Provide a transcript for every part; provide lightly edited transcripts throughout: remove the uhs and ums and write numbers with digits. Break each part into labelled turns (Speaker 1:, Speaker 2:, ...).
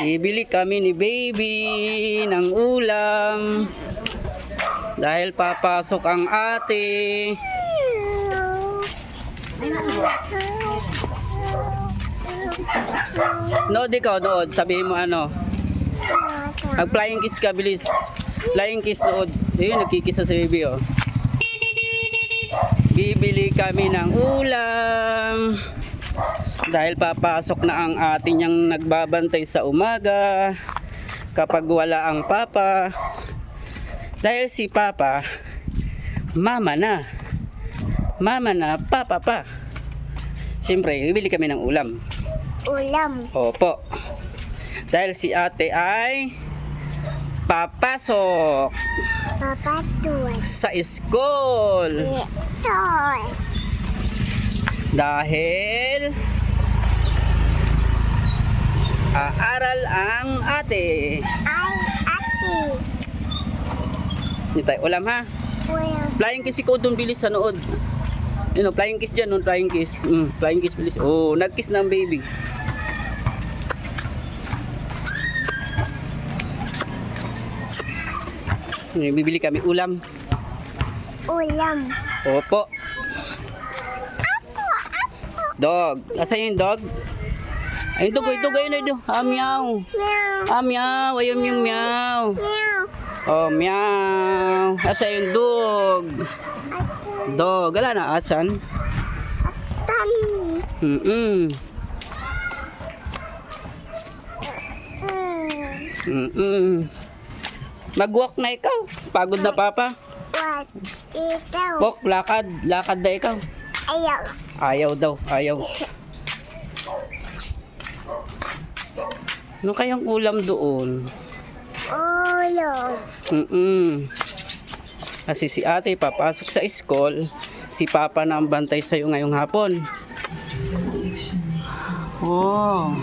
Speaker 1: Bibili kami ni baby ng ulam dahil papasok ang ate. Nood ikaw, nood. Sabihin mo ano. Mag flying kiss ka, bilis. Flying kiss, nood. Ayun, nagkikiss na si baby, oh. Bibili kami ng ulam dahil papasok na ang ate niyang nagbabantay sa umaga kapag wala ang papa. Dahil si papa, mama na, papa pa. Siyempre, bibili kami ng ulam.
Speaker 2: Ulam.
Speaker 1: Opo. Dahil si ate ay papasok
Speaker 2: Papatul.
Speaker 1: sa school.
Speaker 2: Toy.
Speaker 1: Dahil aaral ang ate.
Speaker 2: Ay, ate.
Speaker 1: Hindi tayo ulam, ha?
Speaker 2: Ulam.
Speaker 1: Flying kiss ikaw doon, bilis sa nood. Yun o, flying kiss dyan, flying kiss. Flying kiss, bilis. Oh, nag-kiss ng baby. Bibili kami ulam.
Speaker 2: Ulam.
Speaker 1: Opo. Dog. Asan yung dog? Ayun, dog, ayun, ayun. Ah, meow.
Speaker 2: Meow.
Speaker 1: Ah, meow. Ayun yung meow.
Speaker 2: Meow.
Speaker 1: Oh, meow. Asan yung dog?
Speaker 2: Ate.
Speaker 1: Dog. Wala na, asan?
Speaker 2: Tan.
Speaker 1: Mm-mm. Mm-mm. Mag-walk na ikaw. Pagod na papa.
Speaker 2: What? Ito.
Speaker 1: Walk, lakad. Lakad na ikaw.
Speaker 2: Ayaw.
Speaker 1: Ayaw daw, ayaw. Ano kayang ulam doon?
Speaker 2: Ulam.
Speaker 1: Kasi si ate papasok sa school, si papa na ang bantay sa'yo ngayong hapon. Oh.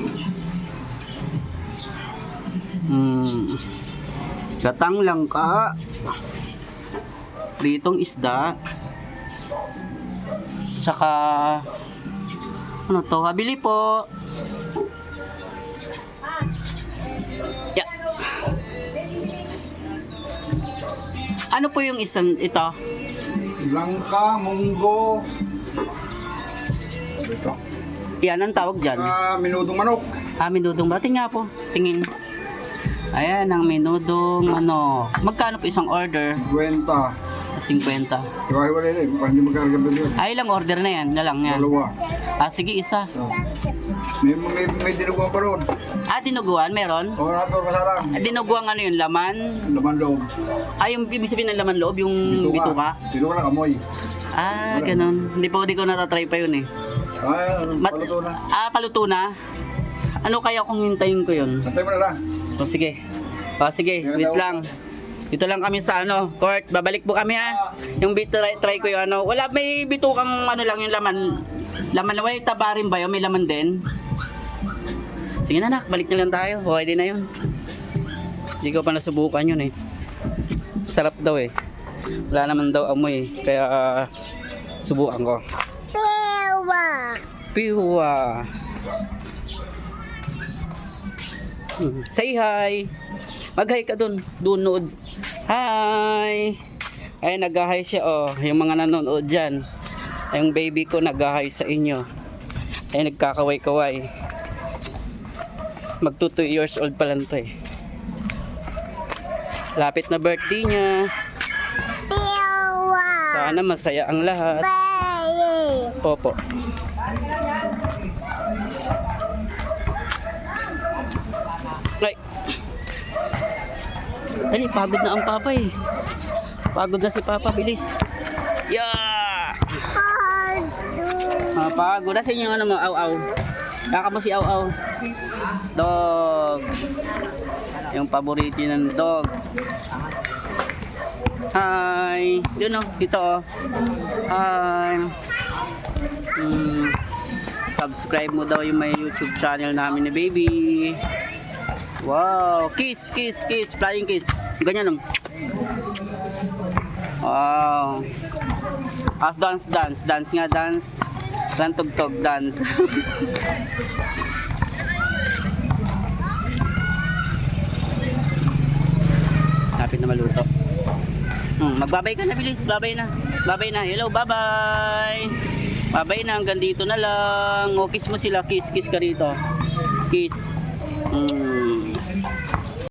Speaker 1: Gatang langka. Pritong isda. Tsaka ano to? Habili po. Yeah. Ano po yung isang ito?
Speaker 3: Langka, munggo. Ito.
Speaker 1: Yan ang tawag dyan.
Speaker 3: Minudong manok.
Speaker 1: Minudong ba? Tingnan po. Tingin. Ayan ang minudong manok. Magkano po isang order?
Speaker 3: 20.
Speaker 1: 50.
Speaker 3: Iwahiwalay na eh. Hindi magkaragam doon yun.
Speaker 1: Ay, ilang order na yan? Nalang yan.
Speaker 3: Dalawa.
Speaker 1: Sige, isa.
Speaker 3: Oh. May dinuguan pa ron.
Speaker 1: Dinuguan, meron?
Speaker 3: O, nato kasalang.
Speaker 1: Dinuguan ano yun? Laman?
Speaker 3: Laman loob.
Speaker 1: Yung ibig sabihin ng laman loob, yung bituka?
Speaker 3: Bituka lang amoy.
Speaker 1: Ganun. Hindi ko natatry pa yun eh.
Speaker 3: Paluto na.
Speaker 1: Paluto na? Ano kaya kung hintayin ko yun?
Speaker 3: Santay mo na lang.
Speaker 1: Sige. Sige, wait lang. Dito lang kami sa court. Babalik po kami, ha. Yung try ko yung wala, may bitukang lang yung laman. Laman na, may taba rin ba yun? May laman din. Sige na, nak, balik na lang tayo. Okay din na yun. Hindi ko pa nasubukan yun eh. Sarap daw eh. Wala naman daw amoy eh. Kaya subukan ko.
Speaker 2: Pewa.
Speaker 1: Piwa. Say hi. Mag-hi ka dun. Doon nood. Hi. Ay, nag-hi siya oh. Yung mga nanonood dyan. Ay, yung baby ko nag-hi sa inyo. Ay, nagkakaway-kaway. Magto 2 years old pa lang to eh. Lapit na birthday niya.
Speaker 2: Pewa.
Speaker 1: Sana masaya ang lahat.
Speaker 2: Baye.
Speaker 1: Opo. Ay. Dali, pagod na ang papa eh. Pagod na si papa, bilis. Yeah! Pagod na sa inyo mo, aw-aw. Kaka mo si aw-aw. Dog. Yung paborito ng dog. Hi. Yun o, dito o. Hi. Subscribe mo daw yung may YouTube channel namin ni baby. Wow, kiss, kiss, kiss, flying kiss. Ganyan. Wow. Dance, dance, dance nga, dance. Rantog-tog, dance. maluto. Magbabay ka na, bilis. Babay na. Babay na. Hello, bye-bye. Babay na. Hanggang dito na lang. O, kiss mo sila. Kiss. Kiss ka rito. Kiss.